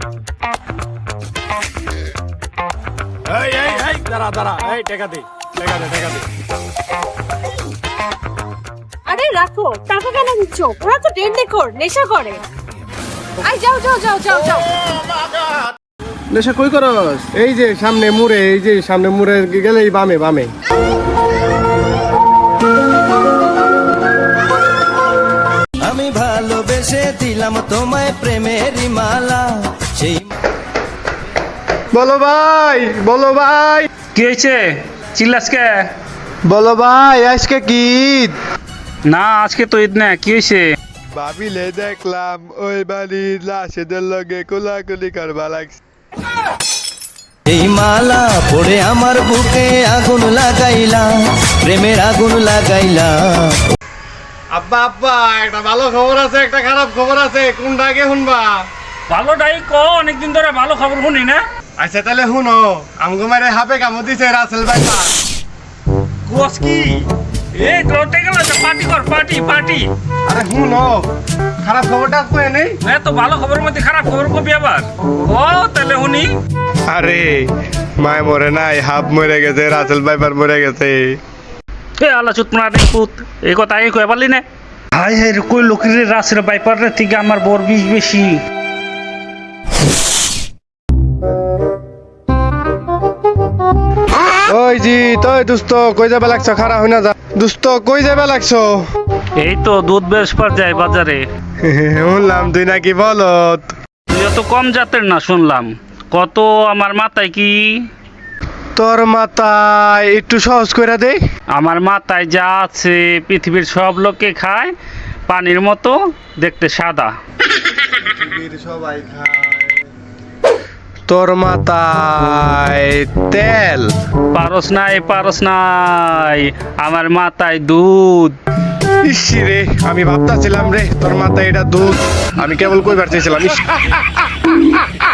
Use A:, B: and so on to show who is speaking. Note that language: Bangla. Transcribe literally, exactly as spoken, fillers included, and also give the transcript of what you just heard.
A: এই এই এই দাঁড়া দাঁড়া, এই টাকা দে, টাকা দে, টাকা দে।
B: আরে রাখো, টাকা কেন দিচ্ছ? ওরা তো ডেট দেখো, নেশা করে। আই যাও যাও যাও যাও যাও।
C: নেশা কই করস? এই যে সামনে মুড়ে, এই যে সামনে মুড়ে গেলেই বামে বামে।
D: আমি ভালোবেসে দিলাম তোমায় প্রেমের মালা সেই
C: বলো ভাই, বলো ভাই,
E: কি হয়েছে? চিল্লাস কে?
C: বলো ভাই, আজকে কি ঈদ?
E: না আজকে তো ঈদ না, কি হয়েছে?
C: ভাবিলে দেখলাম ওই বাড়ির লাশেদের লগে কোলাকুলি করবা লাগছে।
D: এই মালা পড়ে আমার বুকে আগুন লাগাইলা প্রেমের আগুন লাগাইলা।
C: আব্বা আব্বা, একটা ভালো খবর আছে, একটা খারাপ খবর আছে, কোনটা আগে শুনবা?
E: ভালোটাই ক, অনেকদিন ধরে ভালো খবর শুনি না।
C: আচ্ছা তাহলে শুনো, আমগো মারে হাফে কামড় দিছে রাসেল ভাই।
E: কুয়াস কি? এই লটে গেল, পার্টি কর, পার্টি পার্টি।
C: আরে শুনো, খারাপ খবরটা কয়ে নেই।
E: এত ভালো খবরের মধ্যে খারাপ খবর কবি আবার? ও তাহলে শুনি।
C: আরে মায় মরে নাই, হাফ মরে গেছে, রাসেল ভাইপার মরে গেছে।
E: এ আল্লাহ চুত মারা রে পুত, এই কথা আগে কয়ে পারলি না? হাই হাই রে, কই লোকের রাসের বাইপারের থেকে আমার বর বিষ বেশি।
C: ওই জি তুই দোস্ত কই যাবে লাগছো? খারাপ হই না যা দোস্ত, কই যাবে লাগছো?
E: এই তো দুধ বেসপার যায় বাজারে।
C: শুনলাম তুই নাকি বলত।
E: তুই অত কম জাতের না শুনলাম। কত আমার মাথায় কি?
C: তোর মাথায় একটু সহজ করে দে।
E: আমার মাথায় যা আছে পৃথিবীর সব লোকে খায়, পানির মতো দেখতে সাদা।
C: সবাই খায়। তোর মাথায় তেল।
E: পারস নাই, পারস নাই, আমার মাথায় দুধ।
C: ইস রে, আমি ভাবতাছিলাম রে তোর মাথায় এটা দুধ, আমি কেবল কইবার চাইছিলাম। ইস